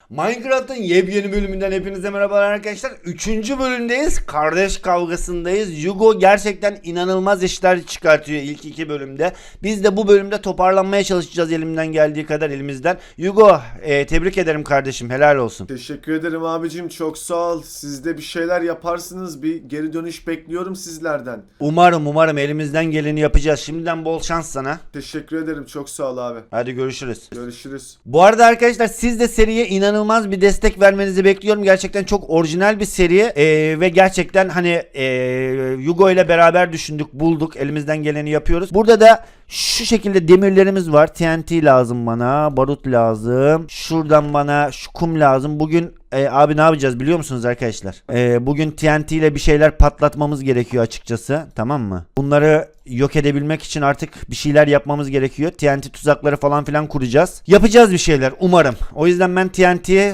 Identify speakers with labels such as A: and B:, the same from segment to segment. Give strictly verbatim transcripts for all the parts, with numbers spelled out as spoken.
A: Minecraft'ın yepyeni bölümünden hepinize merhabalar arkadaşlar. Üçüncü bölümdeyiz. Kardeş kavgasındayız. Yugo gerçekten inanılmaz işler çıkartıyor ilk iki bölümde. Biz de bu bölümde toparlanmaya çalışacağız elimden geldiği kadar elimizden. Yugo e, tebrik ederim kardeşim, helal olsun.
B: Teşekkür ederim abicim, çok sağ ol. Siz de bir şeyler yaparsınız, bir geri dönüş bekliyorum sizlerden.
A: Umarım umarım elimizden geleni yapacağız. Şimdiden bol şans sana.
B: Teşekkür ederim, çok sağ ol abi.
A: Hadi görüşürüz.
B: Görüşürüz.
A: Bu arada arkadaşlar siz de seriye inanılmaz bir destek vermenizi bekliyorum. Gerçekten çok orijinal bir seri ee, ve gerçekten hani ee, Yugo ile beraber düşündük, bulduk, elimizden geleni yapıyoruz. Burada da şu şekilde demirlerimiz var. T N T lazım bana, barut lazım. Şuradan bana şu kum lazım. Bugün e, abi ne yapacağız biliyor musunuz arkadaşlar? E, bugün T N T ile bir şeyler patlatmamız gerekiyor açıkçası. Tamam mı? Bunları yok edebilmek için artık bir şeyler yapmamız gerekiyor. T N T tuzakları falan filan kuracağız. Yapacağız bir şeyler umarım. O yüzden ben T N T'ye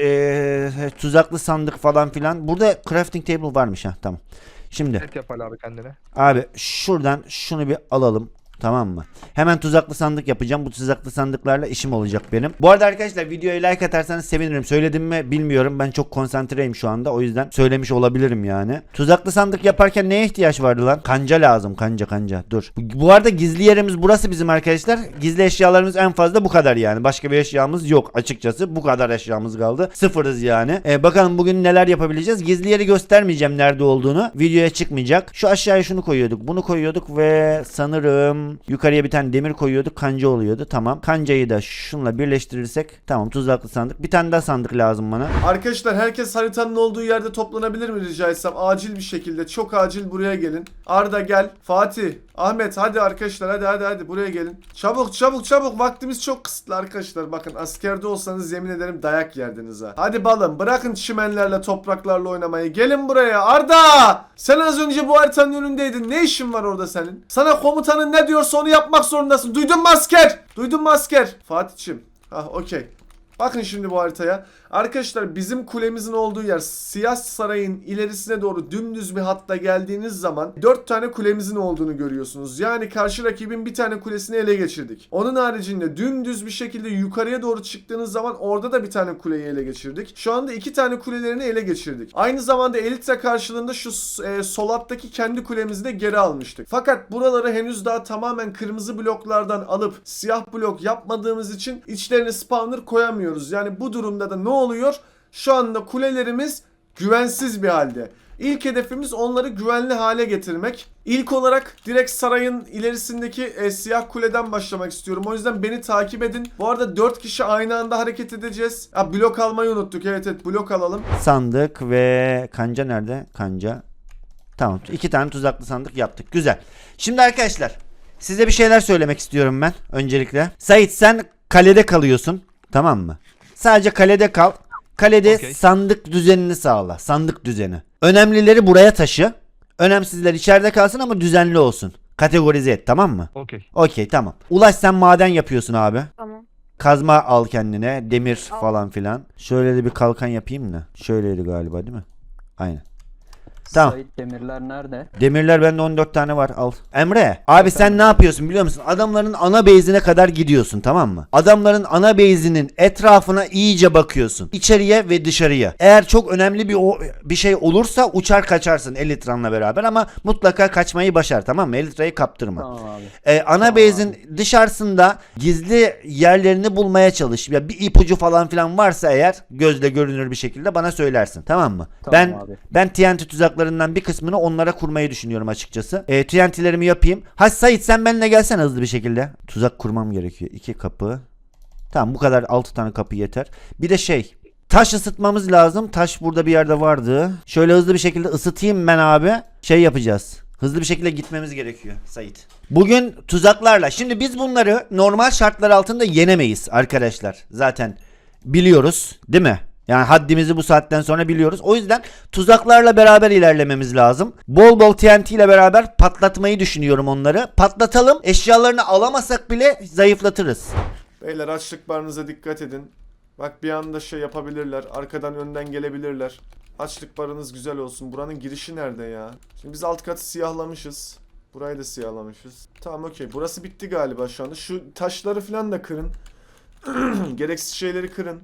A: e, tuzaklı sandık falan filan. Burada crafting table varmış ha, tamam. Şimdi.
C: Et yap abi kendine.
A: Abi şuradan şunu bir alalım. Tamam mı? Hemen tuzaklı sandık yapacağım. Bu tuzaklı sandıklarla işim olacak benim. Bu arada arkadaşlar videoya like atarsanız sevinirim. Söyledim mi bilmiyorum. Ben çok konsantreyim şu anda. O yüzden söylemiş olabilirim yani. Tuzaklı sandık yaparken neye ihtiyaç vardı lan? Kanca lazım. Kanca kanca. Dur. Bu, bu arada gizli yerimiz burası bizim arkadaşlar. Gizli eşyalarımız en fazla bu kadar yani. Başka bir eşyamız yok açıkçası. Bu kadar eşyamız kaldı. Sıfırız yani. Ee, bakalım bugün neler yapabileceğiz. Gizli yeri göstermeyeceğim nerede olduğunu. Videoya çıkmayacak. Şu aşağıya şunu koyuyorduk. Bunu koyuyorduk ve sanırım yukarıya bir tane demir koyuyorduk, kanca oluyordu. Tamam. Kancayı da şunla birleştirirsek tamam, tuzaklı sandık. Bir tane daha sandık lazım bana.
B: Arkadaşlar herkes haritanın olduğu yerde toplanabilir mi rica etsem? Acil bir şekilde, çok acil buraya gelin. Arda gel. Fatih, Ahmet, hadi arkadaşlar, hadi hadi hadi buraya gelin. Çabuk çabuk çabuk, vaktimiz çok kısıtlı arkadaşlar. Bakın askerde olsanız yemin ederim dayak yerdiniz ha. Hadi balım, bırakın çimenlerle topraklarla oynamayı. Gelin buraya. Arda! Sen az önce bu haritanın önündeydin. Ne işin var orada senin? Sana komutanın ne diyorsa onu yapmak zorundasın. Duydun mu asker? Duydun mu asker? Fatih'cim. Ah okey. Bakın şimdi bu haritaya. Arkadaşlar bizim kulemizin olduğu yer Siyah Saray'ın ilerisine doğru dümdüz bir hatta geldiğiniz zaman dört tane kulemizin olduğunu görüyorsunuz. Yani karşı rakibin bir tane kulesini ele geçirdik. Onun haricinde dümdüz bir şekilde yukarıya doğru çıktığınız zaman orada da bir tane kuleyi ele geçirdik. Şu anda iki tane kulelerini ele geçirdik. Aynı zamanda Elitra karşılığında şu e, sol alttaki kendi kulemizi de geri almıştık. Fakat buraları henüz daha tamamen kırmızı bloklardan alıp siyah blok yapmadığımız için içlerine spawner koyamıyoruz. Yani bu durumda da ne oluyor? Şu anda kulelerimiz güvensiz bir halde. İlk hedefimiz onları güvenli hale getirmek. İlk olarak direkt sarayın ilerisindeki e, siyah kuleden başlamak istiyorum. O yüzden beni takip edin. Bu arada dört kişi aynı anda hareket edeceğiz. Ha, blok almayı unuttuk. Evet evet, blok alalım.
A: Sandık ve kanca nerede? Kanca. Tamam. iki tane tuzaklı sandık yaptık. Güzel. Şimdi arkadaşlar size bir şeyler söylemek istiyorum ben öncelikle. Sait, sen kalede kalıyorsun. Tamam mı? Sadece kalede kal. Kalede
C: Okay.
A: sandık düzenini sağla. Sandık düzeni. Önemlileri buraya taşı. Önemsizler içeride kalsın ama düzenli olsun. Kategorize et, tamam mı?
C: Okey.
A: Okey, tamam. Ulaş, sen maden yapıyorsun abi.
D: Tamam.
A: Kazma al kendine. Demir
D: Al.
A: falan filan. Şöyle de bir kalkan yapayım da. Şöyleydi galiba değil mi? Aynen. Tamam.
E: Sait, demirler nerede?
A: Demirler bende on dört tane var, al. Emre abi sen ne yapıyorsun biliyor musun? Adamların ana base'ine kadar gidiyorsun, tamam mı? Adamların ana base'inin etrafına iyice bakıyorsun. İçeriye ve dışarıya. Eğer çok önemli bir o, bir şey olursa uçar kaçarsın Elitran'la beraber ama mutlaka kaçmayı başar, tamam mı? Elitra'yı kaptırma.
E: Tamam abi.
A: Ee, ana
E: Tamam
A: base'in dışarısında gizli yerlerini bulmaya çalış. Ya bir ipucu falan filan varsa eğer gözle görünür bir şekilde bana söylersin, tamam mı?
E: Tamam
A: ben
E: abi.
A: ben T N T tuzaklarından bir kısmını onlara kurmayı düşünüyorum açıkçası. E, T N T'lerimi yapayım. Ha Sait, sen benimle gelsene hızlı bir şekilde. Tuzak kurmam gerekiyor. iki kapı. Tamam, bu kadar, altı tane kapı yeter. Bir de şey, taş ısıtmamız lazım. Taş burada bir yerde vardı. Şöyle hızlı bir şekilde ısıtayım ben abi. Şey yapacağız. Hızlı bir şekilde gitmemiz gerekiyor Sait. Bugün tuzaklarla. Şimdi biz bunları normal şartlar altında yenemeyiz arkadaşlar. Zaten biliyoruz değil mi? Yani haddimizi bu saatten sonra biliyoruz. O yüzden tuzaklarla beraber ilerlememiz lazım. Bol bol T N T ile beraber patlatmayı düşünüyorum onları. Patlatalım. Eşyalarını alamasak bile zayıflatırız.
B: Beyler açlık barınıza dikkat edin. Bak bir anda şey yapabilirler. Arkadan önden gelebilirler. Açlık barınız güzel olsun. Buranın girişi nerede ya? Şimdi biz alt katı siyahlamışız. Burayı da siyahlamışız. Tamam okey. Burası bitti galiba şu anda. Şu taşları falan da kırın. Gereksiz şeyleri kırın.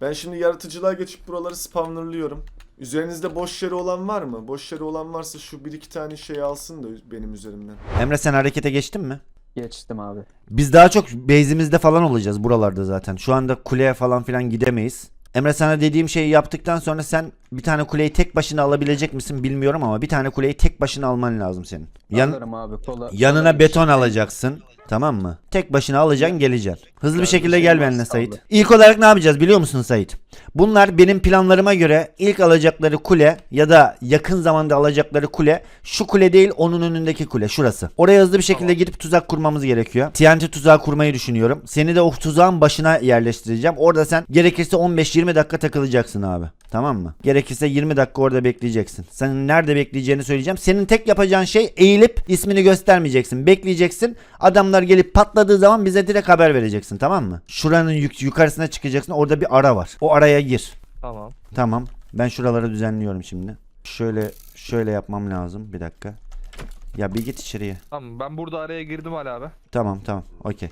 B: Ben şimdi yaratıcılığa geçip buraları spawnerlıyorum. Üzerinizde boş yeri olan var mı? Boş yeri olan varsa şu bir iki tane şey alsın da benim üzerimden.
A: Emre sen harekete geçtin mi?
C: Geçtim abi.
A: Biz daha çok base'imizde falan olacağız buralarda zaten. Şu anda kuleye falan filan gidemeyiz. Emre sana dediğim şeyi yaptıktan sonra sen bir tane kuleyi tek başına alabilecek misin bilmiyorum ama bir tane kuleyi tek başına alman lazım senin. Yan,
C: Alırım abi. Kola,
A: yanına
C: kolay
A: beton
C: bir şey.
A: alacaksın. Tamam mı? Tek başına alacaksın, geleceksin. Hızlı bir
C: bir
A: şekilde
C: şey
A: gel
C: varsa
A: benimle Sait.
C: aldı.
A: İlk olarak ne yapacağız biliyor musun Sait? Bunlar benim planlarıma göre ilk alacakları kule ya da yakın zamanda alacakları kule şu kule değil, onun önündeki kule şurası. Oraya hızlı bir şekilde
D: Tamam.
A: gidip tuzak kurmamız gerekiyor. T N T tuzağı kurmayı düşünüyorum. Seni de o tuzağın başına yerleştireceğim. Orada sen gerekirse on beş yirmi dakika takılacaksın abi. Tamam mı? Gerekirse yirmi dakika orada bekleyeceksin. Senin nerede bekleyeceğini söyleyeceğim. Senin tek yapacağın şey eğilip ismini göstermeyeceksin. Bekleyeceksin. Adamlar gelip patladığı zaman bize direkt haber vereceksin. Tamam mı? Şuranın yuk- yukarısına çıkacaksın. Orada bir ara var. O araya gir.
D: Tamam.
A: Tamam. Ben şuraları düzenliyorum şimdi. Şöyle şöyle yapmam lazım. Bir dakika. Ya bir git içeriye.
D: Tamam ben burada araya girdim Ali abi.
A: Tamam tamam. Okey.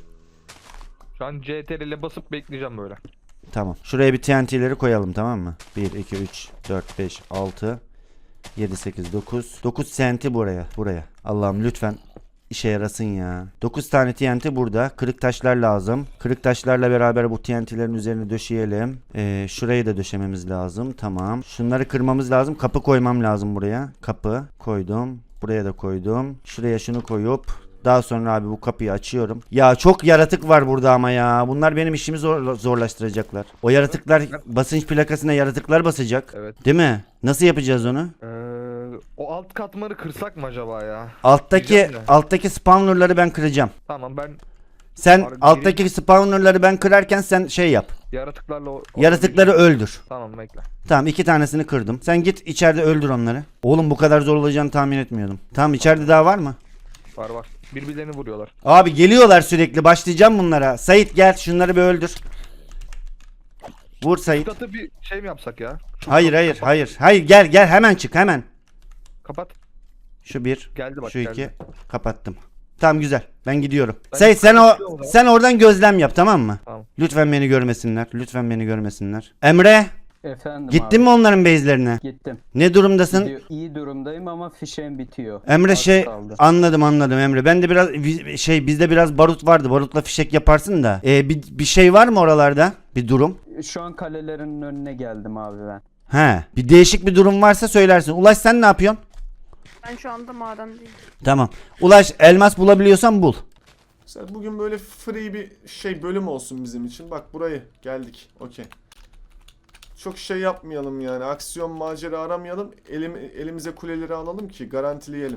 D: Şu an C T R L ile basıp bekleyeceğim böyle.
A: Tamam. Şuraya bir T N T'leri koyalım tamam mı? bir, iki, üç, dört, beş, altı, yedi, sekiz, dokuz. dokuz T N T buraya. Buraya. Allah'ım lütfen işe yarasın ya. dokuz tane T N T burada. Kırık taşlar lazım. Kırık taşlarla beraber bu T N T'lerin üzerine döşeyelim. Ee, şurayı da döşememiz lazım. Tamam. Şunları kırmamız lazım. Kapı koymam lazım buraya. Kapı koydum. Buraya da koydum. Şuraya şunu koyup daha sonra abi bu kapıyı açıyorum. Ya çok yaratık var burada ama ya. Bunlar benim işimi zor, zorlaştıracaklar. O yaratıklar basınç plakasına yaratıklar basacak.
D: Evet.
A: Değil mi? Nasıl yapacağız onu?
D: Ee, o alt katmanı kırsak mı acaba ya?
A: Alttaki
D: Diyeceğim de.
A: alttaki spawnerları ben kıracağım.
D: Tamam ben
A: Sen
D: Abi,
A: alttaki spawnerları ben kırarken sen şey yap.
D: yaratıklarla... o-
A: Yaratıkları öldür.
D: Tamam bekle.
A: Tamam iki tanesini kırdım. Sen git içeride öldür onları. Oğlum bu kadar zor olacağını tahmin etmiyordum. Tamam içeride daha var mı?
D: Var var. Birbirlerini vuruyorlar.
A: Abi geliyorlar sürekli. Başlayacağım bunlara. Sait gel şunları bir öldür. Vur
D: Şu
A: Sait.
D: katı bir şey mi yapsak ya? Şu
A: Hayır
D: katı
A: hayır
D: kapat-
A: hayır. Hayır gel gel hemen çık hemen.
D: Kapat.
A: Şu bir.
D: Geldi bak
A: Şu iki.
D: geldi.
A: Kapattım. Tamam güzel. Ben gidiyorum.
D: Ben
A: Sait sen o
D: kapatıyorum o zaman.
A: sen oradan gözlem yap tamam mı?
D: Tamam.
A: Lütfen beni görmesinler. Lütfen beni görmesinler. Emre
C: Efendim
A: gittin
C: abi.
A: mi onların base'lerine?
C: Gittim.
A: Ne durumdasın?
C: Gidiyor- İyi durumdayım ama fişeğim bitiyor.
A: Emre
C: Az
A: şey
C: kaldı.
A: anladım anladım Emre. Ben de biraz vi- şey bizde biraz barut vardı. Barutla fişek yaparsın da. Ee, bir, bir şey var mı oralarda? Bir durum?
C: Şu an kalelerin önüne geldim abi ben.
A: He. Bir değişik bir durum varsa söylersin. Ulaş sen ne yapıyorsun?
E: Ben şu anda madendeyim.
A: Tamam. Ulaş elmas bulabiliyorsan bul.
B: Mesela bugün böyle free bir şey bölüm olsun bizim için. Bak burayı geldik. Okey. Çok şey yapmayalım yani. Aksiyon macera aramayalım. Elim, elimize kuleleri alalım ki garantileyelim.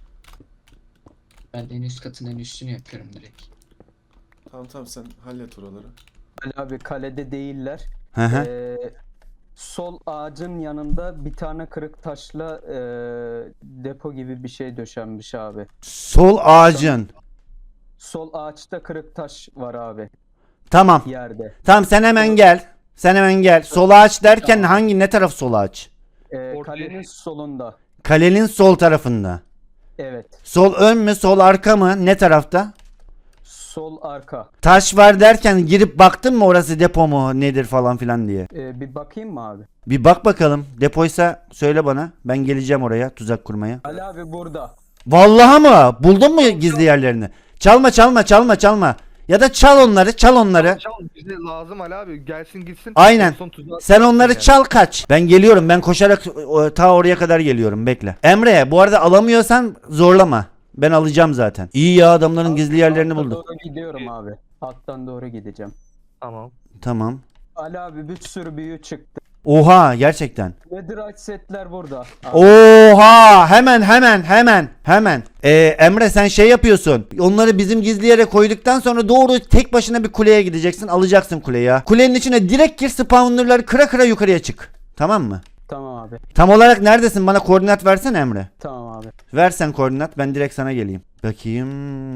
F: Ben en üst katın en üstünü yapıyorum direkt.
B: Tamam tamam sen hallet oraları.
C: Ali abi kalede değiller.
A: Hı hı.
C: Ee, sol ağacın yanında bir tane kırık taşla ee, depo gibi bir şey döşenmiş abi.
A: Sol ağacın.
C: Sol ağaçta kırık taş var abi
A: Tamam.
C: yerde.
A: Tamam sen hemen gel. Sen hemen gel. Sol ağaç derken hangi ne taraf sol ağaç?
C: Ee,
D: Ortaya-
C: kalenin solunda.
A: Kalenin sol tarafında.
C: Evet.
A: Sol ön mü sol arka mı ne tarafta?
C: Sol arka.
A: Taş var derken girip baktın mı orası depo mu nedir falan filan diye.
C: Ee, bir bakayım mı abi?
A: Bir bak bakalım. Depoysa söyle bana. Ben geleceğim oraya tuzak kurmaya.
C: Ali abi burada.
A: Vallahi mı? Buldun mu gizli yerlerini? Çalma çalma çalma çalma. Ya da çal onları çal onları.
D: Çal bize lazım Ali abi. Gelsin gitsin.
A: Aynen.
D: En son tuzağa
A: Sen
D: atmasın
A: onları
D: yani.
A: çal kaç. Ben geliyorum. Ben koşarak o, ta oraya kadar geliyorum. Bekle. Emre bu arada alamıyorsan zorlama. Ben alacağım zaten. İyi ya adamların gizli yerlerini
C: Altta
A: buldum.
C: doğru gidiyorum abi. Alttan doğru gideceğim.
D: Tamam.
A: Tamam.
C: Ali abi bir sürü büyü çıktı.
A: Oha gerçekten.
C: Netherite setler burada. Abi,
A: Oha hemen hemen hemen hemen. Ee, Emre sen şey yapıyorsun. Onları bizim gizli yere koyduktan sonra doğru tek başına bir kuleye gideceksin. Alacaksın kuleyi ya. Kulenin içine direkt gir spawnerları kıra kıra yukarıya çık. Tamam mı?
C: Tamam abi.
A: Tam olarak neredesin? Bana koordinat versene Emre.
C: Tamam abi.
A: Versen koordinat ben direkt sana geleyim. Bakayım.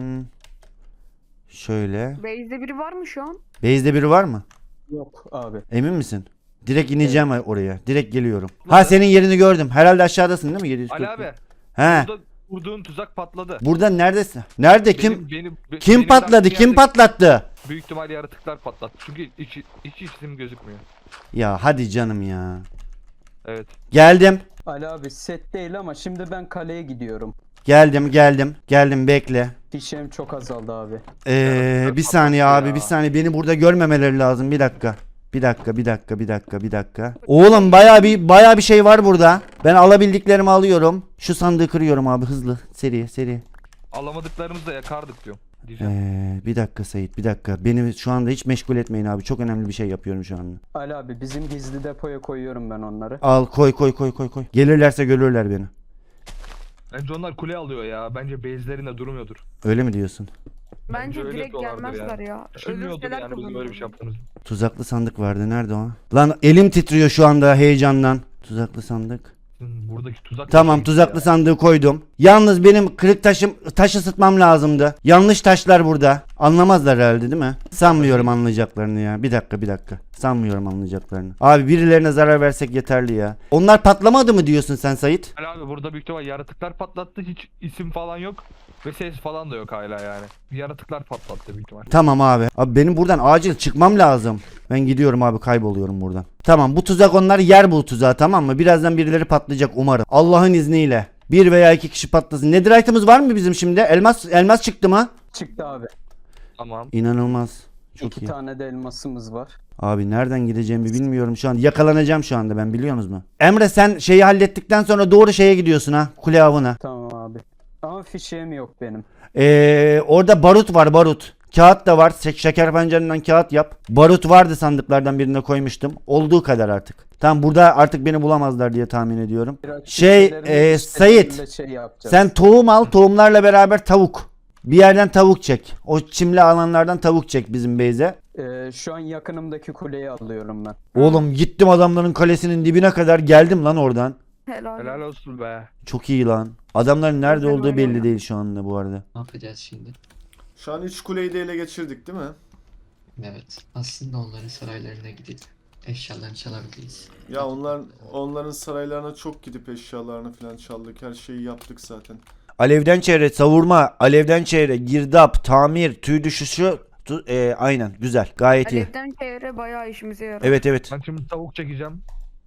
A: Şöyle.
E: Base'de biri var mı şu an?
A: Base'de biri var mı?
C: Yok abi.
A: Emin misin? Direkt ineceğim oraya. Direkt geliyorum. Ha senin yerini gördüm. Herhalde aşağıdasın değil mi? yedi yüz kırk.
D: Ali abi.
A: He.
D: Burada vurduğun tuzak patladı.
A: Burada neredesin? Nerede kim?
D: Benim- benim- be-
A: Kim
D: benim
A: patladı?
D: bıraktığım
A: Kim
D: yerdeki-
A: patlattı?
D: Büyük ihtimal yaratıklar patlattı. Çünkü hiç, hiç isim gözükmüyor.
A: Ya hadi canım ya.
D: Evet.
A: Geldim.
C: Ali abi set değil ama şimdi ben kaleye gidiyorum.
A: Geldim geldim. Geldim bekle.
C: Fişeğim çok azaldı abi.
A: Ee, bir saniye abi bir saniye. Beni burada görmemeleri lazım. Bir dakika. Bir dakika bir dakika bir dakika bir dakika. Oğlum baya bir baya bir şey var burada. Ben alabildiklerimi alıyorum. Şu sandığı kırıyorum abi hızlı. Seri seri.
D: Alamadıklarımızı da yakardık diyorum. Diyeceğim.
A: Ee, bir dakika Sait bir dakika. Beni şu anda hiç meşgul etmeyin abi. Çok önemli bir şey yapıyorum şu anda.
C: Ali abi bizim gizli depoya koyuyorum ben onları.
A: Al koy koy koy koy koy. Gelirlerse görürler beni.
D: Bence onlar kule alıyor ya. Bence base'lerinde durmuyordur.
A: Öyle mi diyorsun?
E: Bence
D: öyle
E: direkt
D: yapıyorlardır
E: gelmezler
D: yani.
E: ya.
D: Düşünmüyordur
E: Ölürseler
D: yani bizim böyle bir şey yaptığımızı.
A: Tuzaklı sandık vardı. Nerede o? Lan elim titriyor şu anda heyecandan. Tuzaklı sandık.
D: Hmm, Buradaki tuzak
A: Tamam
D: bir şey
A: tuzaklı
D: ya.
A: sandığı koydum. Yalnız benim kırık taşım taş ısıtmam lazımdı. Yanlış taşlar burada. Anlamazlar herhalde değil mi? Sanmıyorum anlayacaklarını ya. Bir dakika bir dakika. Sanmıyorum anlayacaklarını. Abi birilerine zarar versek yeterli ya. Onlar patlamadı mı diyorsun sen Sait?
D: Ali abi burada büyük ihtimal yaratıklar patlattı. Hiç isim falan yok. Ve ses falan da yok hala yani. Yaratıklar patlattı büyük ihtimal.
A: Tamam abi. Abi benim buradan acil çıkmam lazım. Ben gidiyorum abi kayboluyorum buradan. Tamam bu tuzak onlar yer bu tuzağı tamam mı? Birazdan birileri patlayacak umarım. Allah'ın izniyle. Bir veya iki kişi patlasın. Netherite'ımız var mı bizim şimdi? Elmas elmas çıktı mı?
C: Çıktı abi.
D: Tamam.
A: İnanılmaz. Çok
C: İki
A: iyi.
C: tane de elmasımız var.
A: Abi nereden gideceğimi bilmiyorum şu an. Yakalanacağım şu anda ben biliyorsunuz mu? Emre sen şeyi hallettikten sonra doğru şeye gidiyorsun ha. Kule avına.
C: Tamam abi. Ama fişeğim yok benim.
A: Ee, orada barut var barut. Kağıt da var. Şek- Şeker pancarından kağıt yap. Barut vardı sandıklardan birine koymuştum. Olduğu kadar artık. Tamam burada artık beni bulamazlar diye tahmin ediyorum.
C: Biraz
A: Şey,
C: fişeklerini
A: e,
C: istediğimde
A: Sait,
C: şey yapacağız.
A: Sen tohum al. Tohumlarla beraber tavuk. Bir yerden tavuk çek. O çimli alanlardan tavuk çek bizim base'e.
C: Ee, şu an yakınımdaki kuleyi alıyorum ben.
A: Oğlum gittim adamların kalesinin dibine kadar geldim lan oradan.
E: Helal.
D: Helal olsun be.
A: Çok iyi lan. Adamların nerede
E: Güzel
A: olduğu belli
E: oynuyor.
A: değil şu anda bu arada.
F: Ne yapacağız şimdi?
B: Şu an üç kuleyi de ele geçirdik değil mi?
F: Evet. Aslında onların saraylarına gidip eşyalarını çalabiliriz.
B: Ya onlar onların saraylarına çok gidip eşyalarını falan çaldık. Her şeyi yaptık zaten.
A: Alevden çevre, savurma, alevden çevre, girdap, tamir, tüy düşüşü. Tu, e, aynen güzel. Gayet iyi.
E: Alevden çevre bayağı işimize yarar.
A: Evet evet.
D: Ben şimdi tavuk çekeceğim.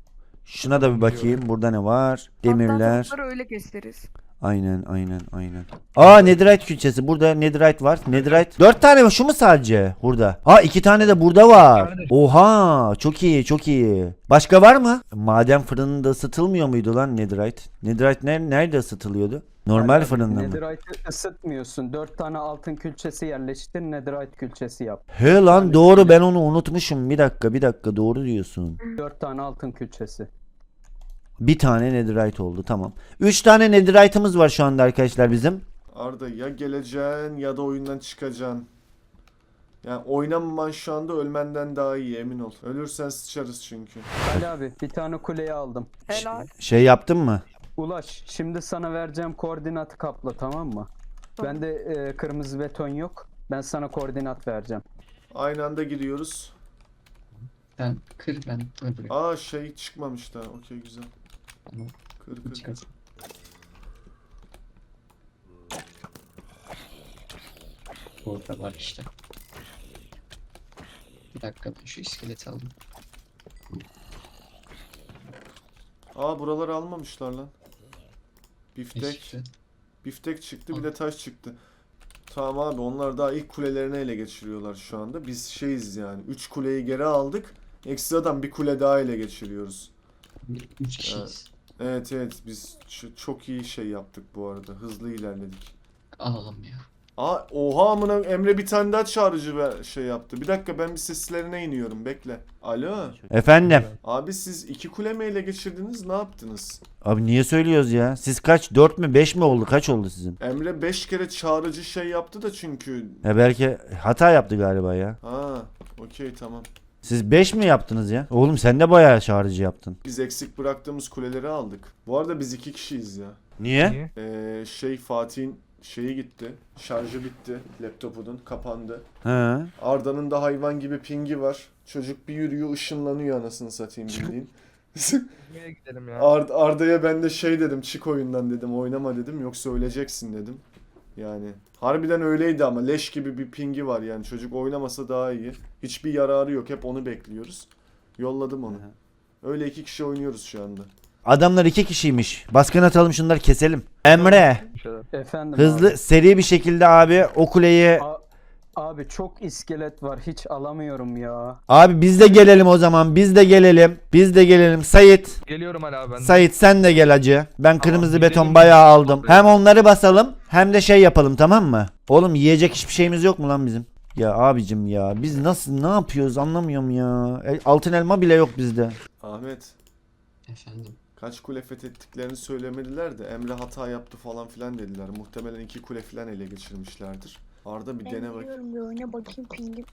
A: Şuna da bir bakayım. Burada ne var? Demirler.
E: Hatta tavukları öyle keseriz.
A: Aynen aynen aynen. Aa netherite külçesi. Burada netherite var. Netherite. Dört tane mi? Şu mu sadece? Burada. Aa iki tane de burada var. Oha çok iyi çok iyi. Başka var mı? Maden fırınında ısıtılmıyor muydu lan netherite? Netherite ner nerede ısıtılıyordu? Normal
C: Yani
A: fırında mı?
C: Netherite'ı ısıtmıyorsun. Dört tane altın külçesi yerleştir. Netherite külçesi yap.
A: He lan doğru ben onu unutmuşum. Bir dakika bir dakika doğru diyorsun.
C: Dört tane altın külçesi.
A: Bir tane netherite oldu tamam. Üç tane netherite'ımız var şu anda arkadaşlar bizim.
B: Arda ya geleceksin ya da oyundan çıkacaksın. Yani oynamaman şu anda ölmenden daha iyi emin ol. Ölürsen sıçarız çünkü.
C: Ali abi bir tane kuleyi aldım.
E: Helal.
A: Şey yaptın mı?
C: Ulaş şimdi sana vereceğim koordinatı kapla tamam mı?
E: Tamam.
C: Bende e, kırmızı beton yok. Ben sana koordinat vereceğim.
B: Aynı anda gidiyoruz.
F: Sen kır ben öbürü.
B: Aa şey çıkmamış daha. Okey güzel.
F: Tamam.
B: Kır kır kır.
F: Çıkar. Burada var işte. Bir dakika ben şu iskeleti aldım.
B: Aa buraları almamışlar lan.
F: Ne
B: Biftek.
F: çıktı?
B: Biftek çıktı bir de taş çıktı. Tamam abi onlar daha ilk kulelerini ele geçiriyorlar şu anda. Biz şeyiz yani. Üç kuleyi geri aldık. Ekstradan bir kule daha ele geçiriyoruz.
F: Üç kişiyiz.
B: Evet evet biz ç- çok iyi şey yaptık bu arada. Hızlı ilerledik.
F: Alalım ya.
B: Aa oha amına Emre bir tane daha çağrıcı ver- şey yaptı. Bir dakika ben bir seslerine iniyorum bekle. Alo.
A: Efendim.
B: Abi siz iki kule mi ele geçirdiniz ne yaptınız?
A: Abi niye söylüyoruz ya? Siz kaç? Dört mü? Beş mi oldu? Kaç oldu sizin?
B: Emre beş kere çağrıcı şey yaptı da çünkü.
A: Ya belki hata yaptı galiba ya.
B: Ha okey tamam.
A: Siz beş mi yaptınız ya? Oğlum sen de bayağı çağrıcı yaptın.
B: Biz eksik bıraktığımız kuleleri aldık. Bu arada biz iki kişiyiz ya.
A: Niye?
D: Niye?
B: Ee, şey Fatih'in şeyi gitti. Şarjı bitti. Laptopunun kapandı.
A: He.
B: Arda'nın da hayvan gibi pingi var. Çocuk bir yürüyor ışınlanıyor anasını satayım bildiğin.
D: Nereye gidelim ya?
B: Ar- Arda'ya ben de şey dedim çık oyundan dedim oynama dedim yoksa öleceksin dedim. Yani harbiden öyleydi ama leş gibi bir pingi var yani. Çocuk oynamasa daha iyi. Hiçbir yararı yok. Hep onu bekliyoruz. Yolladım onu. Öyle iki kişi oynuyoruz şu anda.
A: Adamlar iki kişiymiş. Baskın atalım, şunları keselim. Emre
D: Bir şeyler.
C: Efendim
A: hızlı
C: abi.
A: seri bir şekilde abi o kuleyi.
C: A- Abi çok iskelet var. Hiç alamıyorum ya.
A: Abi biz de gelelim o zaman. Biz de gelelim. Biz de gelelim. Sait.
D: Geliyorum hala ben. de.
A: Sait sen de gel hacı. Ben kırmızı
D: gidelim.
A: beton bayağı aldım. Hem onları basalım hem de şey yapalım, tamam mı? Oğlum yiyecek hiçbir şeyimiz yok mu lan bizim? Ya abicim ya biz nasıl ne yapıyoruz anlamıyorum ya. E, Altın elma bile yok bizde.
B: Ahmet,
F: Efendim.
B: kaç kule fethettiklerini söylemediler de Emre hata yaptı falan filan dediler. Muhtemelen iki kule filan ele geçirmişlerdir. Arda bir
G: Ben
B: dene bak.
G: biliyorum, bir oyuna bakayım pingim.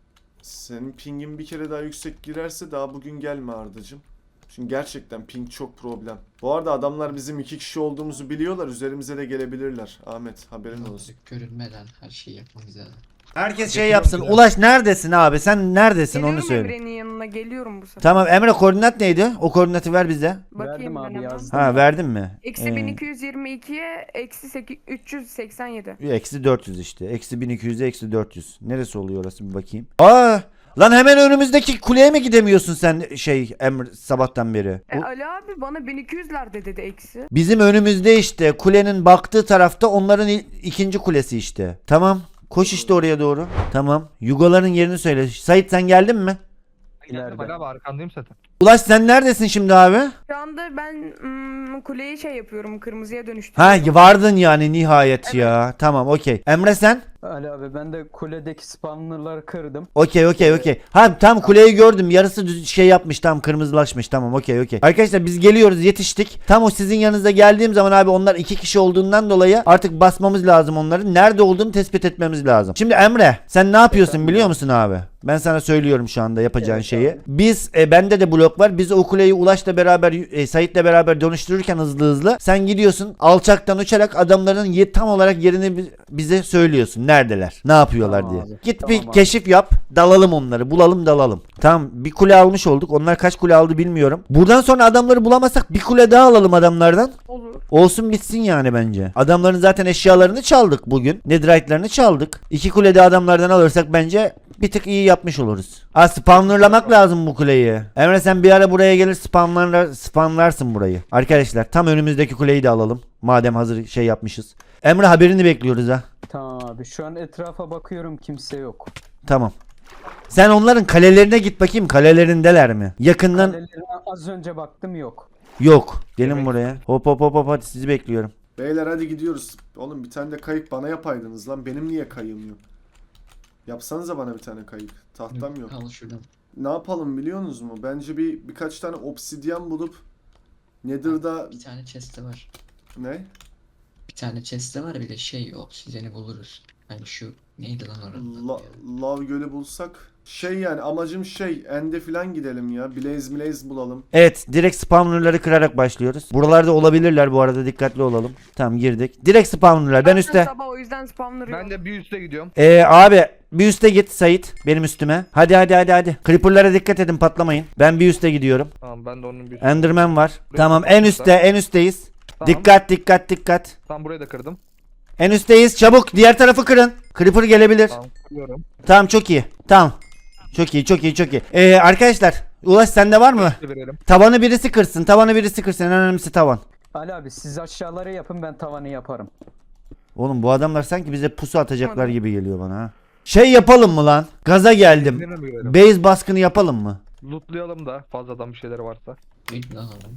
B: Senin pingin bir kere daha yüksek girerse daha bugün gelme Ardacığım. Çünkü gerçekten ping çok problem. Bu arada adamlar bizim iki kişi olduğumuzu biliyorlar. Üzerimize de gelebilirler. Ahmet haberin olsun.
F: Gözlük görünmeden her şeyi yapmamız lazım.
A: Herkes şey yapsın. Ulaş neredesin abi? Sen neredesin onu
E: Geliyorum
A: söyle.
E: Emre'nin yanına, geliyorum bu sefer.
A: Tamam Emre, koordinat neydi? O koordinatı ver bize.
E: Bakayım
C: Verdim
E: ben
C: abi,
E: hemen.
C: yazdım.
A: Ha verdin mi?
E: Eksi
A: Ee,
E: bin iki yüz yirmi ikiye eksi seki- üç yüz seksen yedi.
A: Eksi dört yüz işte. Eksi bin iki yüze eksi dört yüz. Neresi oluyor orası bir bakayım. Aa! Lan hemen önümüzdeki kuleye mi gidemiyorsun sen şey Emre sabahtan beri?
E: E,
A: Bu-
E: Ali abi bana bin iki yüzlerde dedi eksi.
A: Bizim önümüzde işte kulenin baktığı tarafta onların il- ikinci kulesi işte. Tamam. Koş işte oraya doğru. Tamam. Yugoların yerini söyle. Sait sen geldin mi?
D: Geldim
C: İleride.
D: hala arkandayım zaten.
A: Ulaş sen neredesin şimdi abi?
E: Şu anda ben mm, kuleyi şey yapıyorum, kırmızıya
A: Ha
E: dönüştürüyorum.
A: vardın yani nihayet ya. Tamam okey. Emre sen?
C: Ali abi ben de kuledeki spawnerları kırdım.
A: Okey okey okey. Ha tam kuleyi gördüm. Yarısı düz şey yapmış, tam kırmızılaşmış. Tamam okey okey. Arkadaşlar biz geliyoruz, yetiştik. Tam o sizin yanınıza geldiğim zaman abi onlar iki kişi olduğundan dolayı artık basmamız lazım onların. Nerede olduğunu tespit etmemiz lazım. Şimdi Emre sen ne yapıyorsun biliyor musun abi? Ben sana söylüyorum şu anda yapacağın
C: Evet
A: şeyi.
C: abi.
A: Biz e, bende de blok var. Biz o kuleyi Ulaş'la beraber e, Sait'le beraber dönüştürürken hızlı hızlı sen gidiyorsun alçaktan uçarak adamların ye- tam olarak yerini bi- bize söylüyorsun. Neredeler? Ne yapıyorlar
C: Tamam
A: diye.
C: abi.
A: Git
C: Tamam
A: bir
C: abi.
A: keşif yap. Dalalım onları. Bulalım dalalım. Tamam bir kule almış olduk. Onlar kaç kule aldı bilmiyorum. Buradan sonra adamları bulamazsak bir kule daha alalım adamlardan.
E: Olur.
A: Olsun bitsin yani bence. Adamların zaten eşyalarını çaldık bugün. Netherite'larını çaldık. İki kulede adamlardan alırsak bence bir tık iyi yapmış oluruz. Ha spawnerlamak lazım bu kuleyi. Emre sen bir ara buraya gelir spamlar, spamlarsın burayı. Arkadaşlar tam önümüzdeki kuleyi de alalım. Madem hazır şey yapmışız. Emre haberini bekliyoruz ha.
C: Tamam abi şu an etrafa bakıyorum, kimse yok.
A: Tamam. Sen onların kalelerine git bakayım, kalelerindeler mi? Yakından
C: Kalelerine az önce baktım, yok.
A: yok. Gelin
D: Evet.
A: buraya. Hop hop hop hop hadi sizi bekliyorum.
B: Beyler hadi gidiyoruz. Oğlum bir tane de kayık bana yapaydınız lan. Benim niye kayığım yok? Yapsanıza bana bir tane kayık. Tahtam yok.
F: Al şuradan.
B: Ne yapalım biliyorsunuz mu? Bence bir birkaç tane obsidyen bulup Nether'da
F: Bir tane chest'te var.
B: ne?
F: Bir tane chest'te var, bir de şey obsidiyeni buluruz. Hani şu neydi lan oranın
B: La,
F: adı ya?
B: Lav Gölü bulsak. Şey yani amacım şey End'e filan gidelim ya. Blaze Blaze bulalım.
A: Evet, direkt spawnerları kırarak başlıyoruz. Buralarda olabilirler bu arada, dikkatli olalım. Tamam girdik. Direkt spawnerlar. Ben üstte.
E: Sabah o yüzden spamları yok.
D: Ben de bir üste gidiyorum.
A: Ee, abi bir üste git Sait, benim üstüme. Hadi hadi hadi hadi. Creeper'lara dikkat edin, patlamayın. Ben bir üste gidiyorum.
D: Tamam ben de onun bir
A: Enderman var.
D: Buraya
A: Tamam
D: kırdım
A: en üstte, en üstteyiz.
D: Tamam.
A: Dikkat dikkat dikkat.
D: Tam burayı da kırdım.
A: En üstteyiz. Çabuk diğer tarafı kırın. Creeper gelebilir.
D: Tamam kırıyorum.
A: Tamam çok iyi. Tamam. Çok iyi çok iyi çok iyi. Ee, arkadaşlar Ulaş sende var mı?
D: Verelim.
A: Tavanı birisi kırsın. Tavanı birisi kırsın. En önemlisi tavan.
C: Ali abi siz aşağıları yapın, ben tavanı yaparım.
A: Oğlum bu adamlar sanki bize pusu atacaklar gibi geliyor bana ha. Şey yapalım mı lan? Gaza geldim.
D: Kendine mi görelim?
A: Base baskını yapalım mı?
D: Lootlayalım da fazladan bir şeyler varsa.
F: Neydi lan oranın?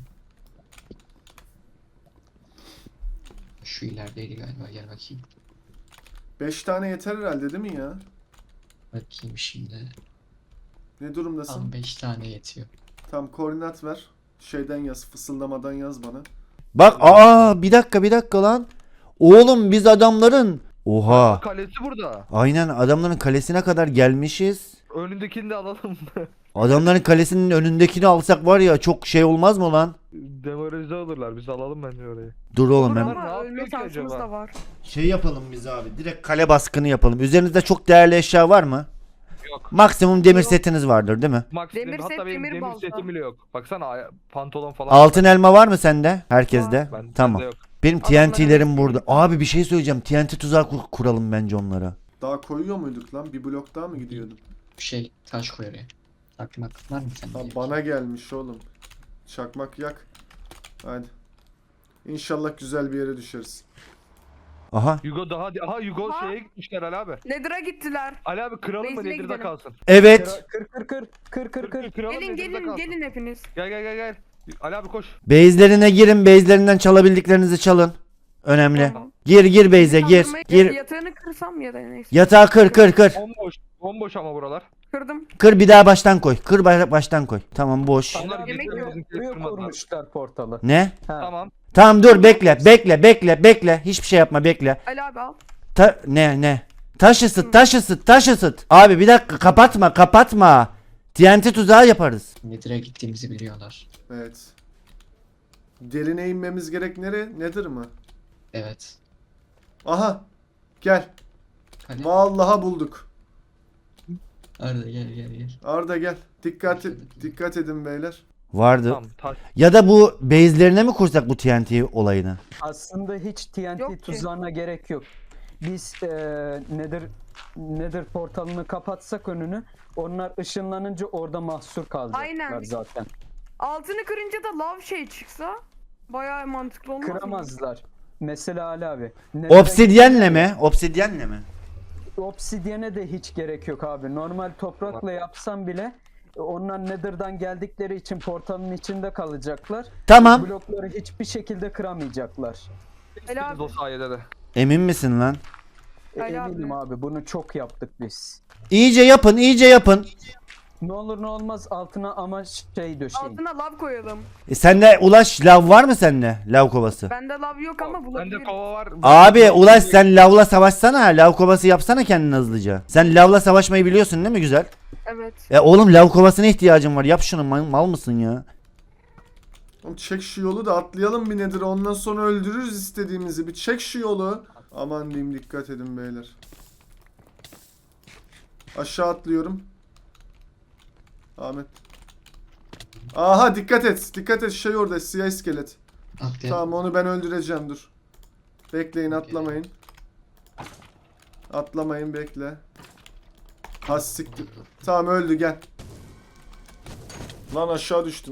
F: Şu ilerideydi galiba, gel bakayım.
B: beş tane yeter herhalde değil mi ya?
F: Bakayım şimdi.
B: Ne durumdasın?
F: Tam beş tane yetiyor.
B: Tam koordinat ver. Şeyden yaz, fısıldamadan yaz bana.
A: Bak aa bir dakika bir dakika lan. Oğlum biz adamların. Oha.
D: Kalesi burada.
A: Aynen adamların kalesine kadar gelmişiz.
D: Önündekini de alalım.
A: Adamların kalesinin önündekini alsak var ya çok şey olmaz mı lan?
D: Demoralize olurlar. Biz alalım bence orayı.
A: Dur oğlum
E: Olur
A: ben.
D: Ne
E: ama
D: yapıyor
E: ölme
D: ki
E: şansımız
D: acaba?
E: da var.
A: Şey yapalım biz abi. Direkt kale baskını yapalım. Üzerinizde çok değerli eşya var mı?
D: Yok.
A: Maksimum demir
E: Yok.
A: setiniz vardır değil mi?
D: Max
E: Demir
D: demir,
E: set,
D: hatta benim
E: demir
D: demir,
E: balta.
D: setim bile yok. Baksana ay- pantolon falan.
A: Altın elma var mı sende? Herkeste.
D: Ben,
A: Tamam.
D: bende yok.
A: Benim
E: Adamların
A: T N T'lerim
E: hepsi
A: burada.
E: gitti.
A: Abi bir şey söyleyeceğim. T N T tuzağı kur- kuralım bence onlara.
B: Daha koyuyor muyduk lan? Bir blok daha mı gidiyordum?
F: Şey taş koy oraya. Çakmak var mı sende?
B: Ha, bana gelmiş oğlum. Çakmak yak. Hadi. İnşallah güzel bir yere düşeriz.
A: Aha.
D: Hugo daha aha Hugo
E: Ha?
D: şeye gitmişler Ali abi.
E: Nether'a gittiler.
D: Ali abi kıralım mı
E: Base'ine
D: Nether'da
E: gidelim.
D: kalsın.
A: Evet.
C: Kır kır kır kır kır kır.
D: Kıralım
E: Gelin
D: Nether'da
E: gelin
D: kalsın.
E: gelin hepiniz.
D: Gel gel gel gel. Ali abi koş.
A: Base'lerine girin. Base'lerinden çalabildiklerinizi çalın. Önemli.
E: Tamam.
A: Gir gir base'e gir.
E: Kaldırmayı-
A: Gir.
E: Yatağını kırsam ya da neyse.
A: Yatağı kır kır kır.
D: Bomboş. Bomboş ama buralar.
E: Kırdım.
A: Kır bir daha baştan koy. Kır ba- baştan koy. Tamam boş.
D: Onlar
C: Abi,
E: Yemek
D: getirdi,
E: yok.
D: bizimkileri
C: Buraya
D: kırmadılar.
C: kurmuşlar portalı.
A: Ne?
C: Ha.
D: Tamam.
A: Tamam dur bekle. Bekle bekle bekle. Hiçbir şey yapma bekle.
E: Ali abi al.
A: Ta ne ne? Taş ısıt taş ısıt taş ısıt. Abi bir dakika kapatma kapatma. T N T tuzağı yaparız.
F: Nedir'e gittiğimizi biliyorlar.
B: Evet. Derine inmemiz gerek nere? Nedir mi?
F: Evet.
B: Aha. Gel.
F: Hadi.
B: Vallahi bulduk.
F: Arda gel gel gel.
B: Arda gel. Dikkat et, dikkat edin beyler.
A: Vardı.
D: Tamam. Taş.
A: Ya da bu base'lerine mi kursak bu T N T olayını?
C: Aslında hiç T N T
E: Yok ki.
C: tuzağına gerek yok. Biz eee Nether Nether portalını kapatsak önünü, onlar ışınlanınca orada mahsur kalacaklar
E: Aynen.
C: zaten.
E: Altını kırınca da lav şey çıksa bayağı mantıklı olmaz mı?
C: Kıramazlar. Mesela Ali abi. Nether'e
A: Obsidyenle mi? Obsidyenle mi?
C: Obsidyene de hiç gerek yok abi. Normal toprakla yapsam bile onlar Nether'dan geldikleri için portalın içinde kalacaklar.
A: Tamam.
C: Blokları hiçbir şekilde kıramayacaklar.
E: Ali
D: Biz
E: abi.
D: o sayede de.
A: Emin misin lan?
C: E,
E: Ali abi.
C: eminim abi bunu çok yaptık biz.
A: İyice yapın iyice yapın.
C: Ne olur ne olmaz altına ama şey döşeyin.
E: Altına lav koyalım.
A: E sende Ulaş lav var mı sende? Lav kovası.
E: Bende lav yok ama
D: Bende
E: bulabilirim.
D: kova var.
A: Abi Ulaş sen lavla savaşsana. Lav kovası yapsana kendine hızlıca. Sen lavla savaşmayı biliyorsun değil mi güzel?
E: Evet.
A: E oğlum lav kovasına ihtiyacım var. Yap şunu mal, mal mısın ya?
B: Oğlum çek şu yolu da atlayalım bir nedir. Ondan sonra öldürürüz istediğimizi. Bir çek şu yolu. Aman diyeyim dikkat edin beyler. Aşağı atlıyorum. Ahmet. Aha dikkat et. Dikkat et şey orada siyah iskelet.
F: Atlayalım.
B: Tamam onu ben öldüreceğim dur. Bekleyin atlamayın. Atlamayın bekle. Has siktir. Tamam öldü gel. Lan aşağı düştüm.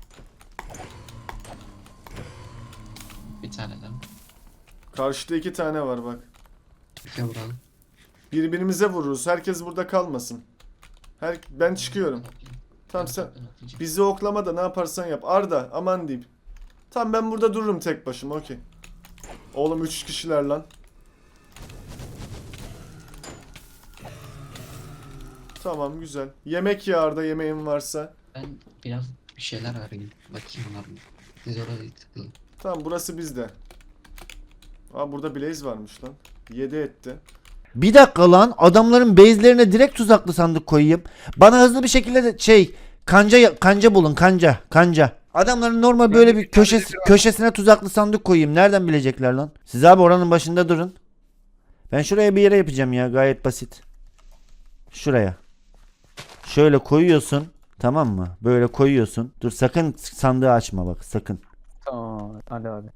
F: Bir tane daha.
B: Karşıda iki tane var bak.
F: Bir de vuralım.
B: Birbirimize vururuz. Herkes burada kalmasın. Her ben çıkıyorum. Tamam sen bizi oklama da ne yaparsan yap. Arda aman diyeyim. Tamam ben burada dururum tek başıma okey. Oğlum üç kişiler lan. Tamam güzel. Yemek ya Arda yemeğin varsa.
F: Ben biraz bir şeyler arayayım. Bakayım var mı? Siz oraya tıklayın.
B: Tamam burası bizde. Aa burada Blaze varmış lan. yedi etti.
A: Bir dakika lan adamların base'lerine direkt tuzaklı sandık koyayım. Bana hızlı bir şekilde de şey kanca kanca bulun kanca kanca. Adamların normal böyle bir köşesi, köşesine tuzaklı sandık koyayım. Nereden bilecekler lan? Siz abi oranın başında durun. Ben şuraya bir yere yapacağım ya gayet basit. Şuraya. Şöyle koyuyorsun. Tamam mı? Böyle koyuyorsun. Dur sakın sandığı açma bak sakın.
C: Tamam Ali abi.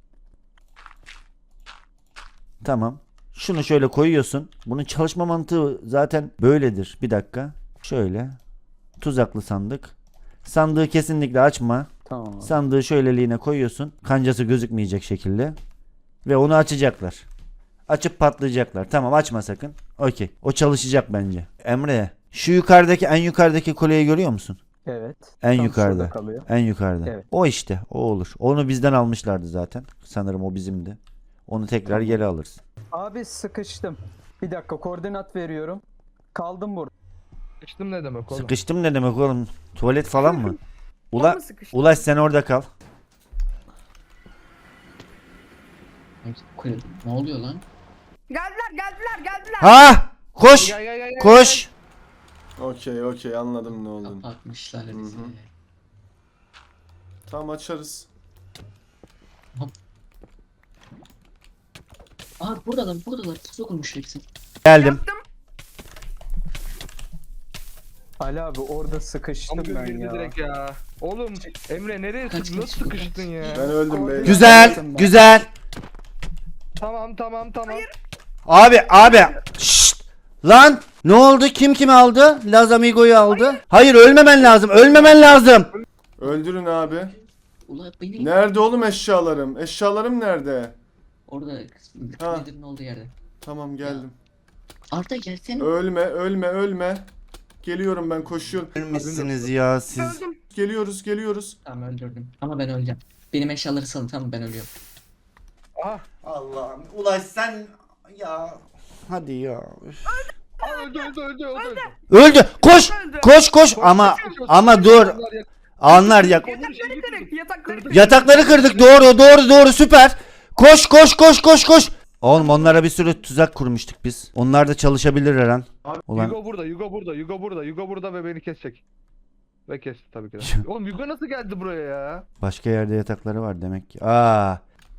A: Tamam. Şunu şöyle koyuyorsun. Bunun çalışma mantığı zaten böyledir. Bir dakika. Şöyle. Tuzaklı sandık. Sandığı kesinlikle açma.
C: Tamam abi.
A: Sandığı şöyleliğine koyuyorsun. Kancası gözükmeyecek şekilde. Ve onu açacaklar. Açıp patlayacaklar. Tamam açma sakın. Okey. O çalışacak bence. Emre. Şu yukarıdaki en yukarıdaki kuleyi görüyor musun?
C: Evet.
A: En
C: Tam
A: yukarıda.
C: şurada kalıyor.
A: En yukarıda.
C: Evet.
A: O işte. O olur. Onu bizden almışlardı zaten. Sanırım o bizimdi. Onu tekrar
C: Tamam.
A: geri alırız.
C: Abi sıkıştım. Bir dakika koordinat veriyorum. Kaldım burada.
D: Sıkıştım ne demek oğlum?
A: Sıkıştım ne demek oğlum? Tuvalet falan mı?
E: Ula...
A: Ula
E: mı sıkıştı?
A: Ulaş sen orada kal.
F: Koy- Ne oluyor lan?
E: Geldiler geldiler geldiler.
A: Ha! Koş!
D: Gel gel gel gel.
A: Koş!
B: Okey okey anladım ne olduğunu.
F: Kapatmışlar
B: Hı
F: bizi.
B: hı. Tamam açarız.
F: Aa buradalar buradalar. Sokulmuş hepsi.
A: Geldim.
E: Yaptım.
C: Ali abi orada sıkıştım
D: Tam
C: ben
D: girdi
C: ya.
D: direkt ya. Oğlum Emre nereye
F: Kaç,
D: sıkıştın? Nasıl
F: kaç,
D: sıkıştın ya?
B: Ben öldüm beyler.
A: Güzel, güzel.
D: Tamam tamam tamam.
A: Abi abi. Şşt. Lan ne oldu? Kim kimi aldı? Laz Amigo'yu aldı. Hayır ölmemen lazım. Ölmemen lazım.
B: Öldürün abi.
F: Ula benim
B: Nerede oğlum eşyalarım? Eşyalarım nerede?
F: orada
B: Ha.
F: Nether'ın olduğu yerde.
B: Tamam geldim.
F: Arda gelsene.
B: Ölme ölme ölme. Geliyorum ben koşuyorum.
A: Ölmüşsünüz ya siz.
E: Öldüm.
B: Geliyoruz geliyoruz.
F: Tamam öldürdüm. Ama ben öleceğim. Benim eşyaları salın, tamam ben ölüyorum.
D: Aha.
A: Allah'ım. Ulaş sen ya. Hadi ya.
D: Aa, öldü öldü öldü öldü.
A: Öldü. Koş.
E: Öldü.
A: Koş koş ama ama dur. Anlar yak.
E: Yatakları kırık. Yatakları kırık.
A: Yatakları kırdık. Doğru doğru doğru süper. Koş koş koş koş koş. Oğlum onlara bir sürü tuzak kurmuştuk biz. Onlar da çalışabilir her an. Ulan
D: Yugo burada, Yugo burada, Yugo burada, Yugo burada ve beni kesecek. Ve kesti tabii ki de. Oğlum Yugo nasıl geldi buraya ya?
A: başka yerde yatakları var demek ki. Aa.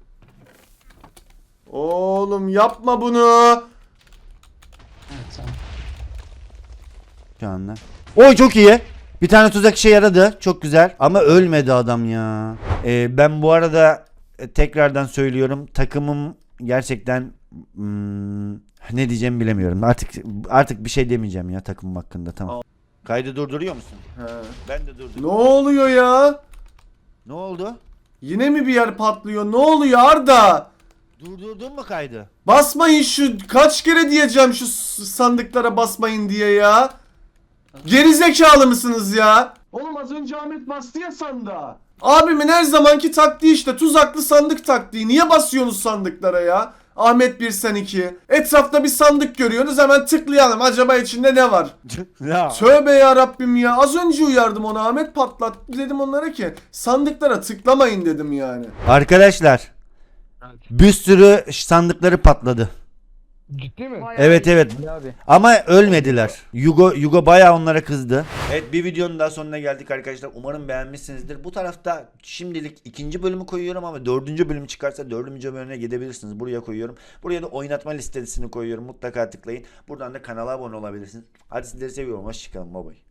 B: Oğlum yapma bunu.
F: Evet tamam.
A: Şu anda. Oy çok iyi. Bir tane tuzak işe yaradı. Çok güzel. Ama ölmedi adam ya. Ee, ben bu arada e, tekrardan söylüyorum. Takımım gerçekten hmm, ne diyeceğimi bilemiyorum. Artık artık bir şey demeyeceğim ya takımım hakkında. Tamam. Kaydı durduruyor musun?
B: He.
A: Ben de
B: Ne
A: durduruyorum.
B: oluyor ya?
A: Ne oldu?
B: Yine mi bir yer patlıyor? Ne oluyor Arda?
A: Durdurdun mu kaydı?
B: Basmayın şu kaç kere diyeceğim şu s- sandıklara basmayın diye ya. Geri zekalı mısınız ya? Oğlum az önce Ahmet bastı ya sandığa. Abimin her zamanki taktiği işte tuzaklı sandık taktiği. Niye basıyorsunuz sandıklara ya? Ahmet bir sen iki. Etrafta bir sandık görüyorsunuz hemen tıklayalım. Acaba içinde ne var?
A: ya.
B: Tövbe ya Rabbim ya. Az önce uyardım onu Ahmet patlat. Dedim onlara ki sandıklara tıklamayın dedim yani.
A: Arkadaşlar bir sürü sandıkları patladı.
D: Ciddi mi?
E: Bayağı
A: Evet
E: iyi.
A: evet.
C: Ali abi.
A: Ama ölmediler. Yugo Yugo bayağı onlara kızdı. Evet bir videonun daha sonuna geldik arkadaşlar. Umarım beğenmişsinizdir. Bu tarafta şimdilik ikinci bölümü koyuyorum ama dördüncü bölüm çıkarsa dördüncü bölümüne gidebilirsiniz. Buraya koyuyorum. Buraya da oynatma listesini koyuyorum. Mutlaka tıklayın. Buradan da kanala abone olabilirsiniz. Hadi sizleri seviyorum. Hoşçakalın. Bye bye.